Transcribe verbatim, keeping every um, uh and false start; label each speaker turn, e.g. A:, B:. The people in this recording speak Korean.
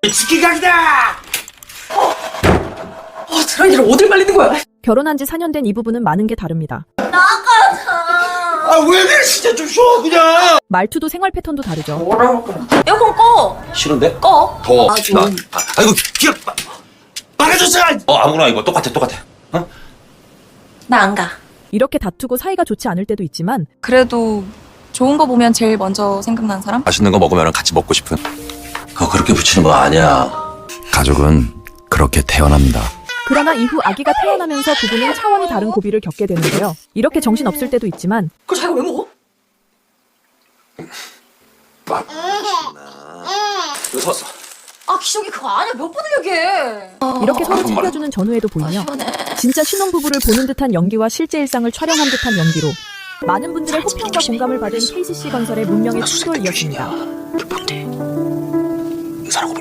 A: 치킨각이다!
B: 어, 어 드라이기를 어딜 말리는 거야?
C: 결혼한 지 사 년 된 이 부부는 많은 게 다릅니다.
A: 아, 왜 그래, 진짜 좀 쉬어, 그냥!
C: 말투도 생활 패턴도 다르죠.
B: 뭐라고?
D: 에어컨 꺼.
A: 싫은데?
D: 꺼.
A: 더워.
D: 아, 좀.
A: 나, 아, 아이고, 기억, 막아줬어! 어, 아무거나 이거 똑같아, 똑같아. 어?
D: 나 안 가.
C: 이렇게 다투고 사이가 좋지 않을 때도 있지만
E: 그래도 좋은 거 보면 제일 먼저 생각나는 사람?
A: 맛있는 거 먹으면 같이 먹고 싶은. 그거 그렇게 붙이는 거 아니야.
F: 가족은 그렇게 태어납니다.
C: 그러나 이후 아기가 태어나면서 부부는 차원이 다른 고비를 겪게 되는데요. 이렇게 정신없을 때도 있지만
B: 그걸 자기가 왜 먹어?
A: 서,
D: 아 기저귀 그거 아니야. 몇 번을 얘기해.
C: 이렇게 서로 챙겨주는 전후에도 보이며 진짜 신혼부부를 보는 듯한 연기와 실제 일상을 촬영한 듯한 연기로 많은 분들의 호평과 공감을 받은 케이씨씨 건설의 문명의 충돌이었습니다.
A: 뭔데? 의사라고